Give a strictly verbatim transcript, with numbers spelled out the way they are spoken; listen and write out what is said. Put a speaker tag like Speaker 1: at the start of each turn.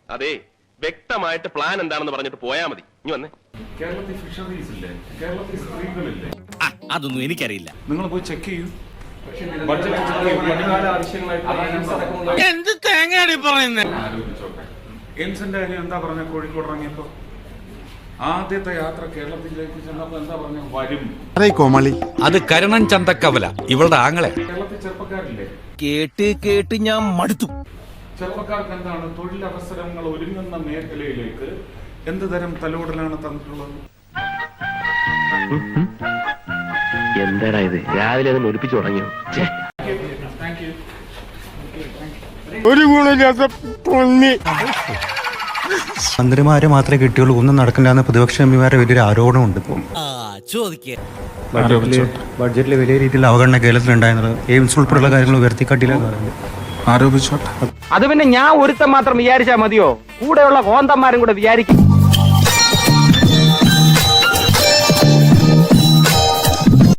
Speaker 1: അതെ, വ്യക്തമായിട്ട് പ്ലാൻ എന്താണെന്ന് പറഞ്ഞിട്ട് പോയാ മതി. ഇനി വന്നേ.
Speaker 2: കേരളത്തിൽ ഫിഷറീസ് ഇല്ലേ, കേരളത്തിൽ സ്ത്രീകളില്ലേ,
Speaker 3: അതൊന്നും എനിക്കറിയില്ല.
Speaker 2: നിങ്ങൾ പോയി ചെക്ക് ചെയ്യൂ.
Speaker 3: എന്ത് തേങ്ങയാണ് പറയുന്നത്?
Speaker 2: എയിംസിന്റെ കാര്യം എന്താ പറഞ്ഞ? കോഴിക്കോട് ഇറങ്ങിയപ്പോ ആദ്യത്തെ യാത്ര കേരളത്തിലേക്ക് ചെന്നപ്പോ എന്താ പറഞ്ഞ? വരും
Speaker 4: കോമളി.
Speaker 5: അത് കരുണൻ ചന്തക്കവല, ഇവളുടെ ആങ്ങളെ.
Speaker 2: കേരളത്തിൽ ചെറുപ്പക്കാരില്ലേ?
Speaker 3: കേട്ട് കേട്ട് ഞാൻ മടുത്തു.
Speaker 2: ചെറുപ്പക്കാർക്ക് എന്താണ് തൊഴിലവസരങ്ങൾ ഒരുങ്ങുന്ന മേഖലയിലേക്ക് എന്ത് തരം തലോടലാണ് തന്നിട്ടുള്ളത്?
Speaker 1: എന്താടാ ഇത്, രാവിലെ അത് ഒലിപ്പിച്ചു തുടങ്ങിയോ?
Speaker 4: ഒരു ഗുണമില്ലാത്ത പൊന്നി. മന്ത്രിമാരെ മാത്രമേ കിട്ടിയുള്ളൂ, ഒന്നും നടക്കില്ല പ്രതിപക്ഷ എംപിമാരുടെ വലിയൊരു ആരോപണമുണ്ട്. ബഡ്ജറ്റിൽ വലിയ രീതിയിൽ അവഗണന കേരളത്തിലുണ്ടായിരുന്നത് എയിംസ് ഉൾപ്പെടെയുള്ള കാര്യങ്ങൾ ഉയർത്തിക്കാട്ടില്ലെന്ന് പറയുന്നത്
Speaker 2: ആരോപിച്ചോട്ടെ.
Speaker 6: അത് പിന്നെ ഞാൻ ഒരുത്തം മാത്രം വിചാരിച്ചാൽ മതിയോ? കൂടെയുള്ള കോന്തന്മാരും കൂടെ വിചാരിക്കും.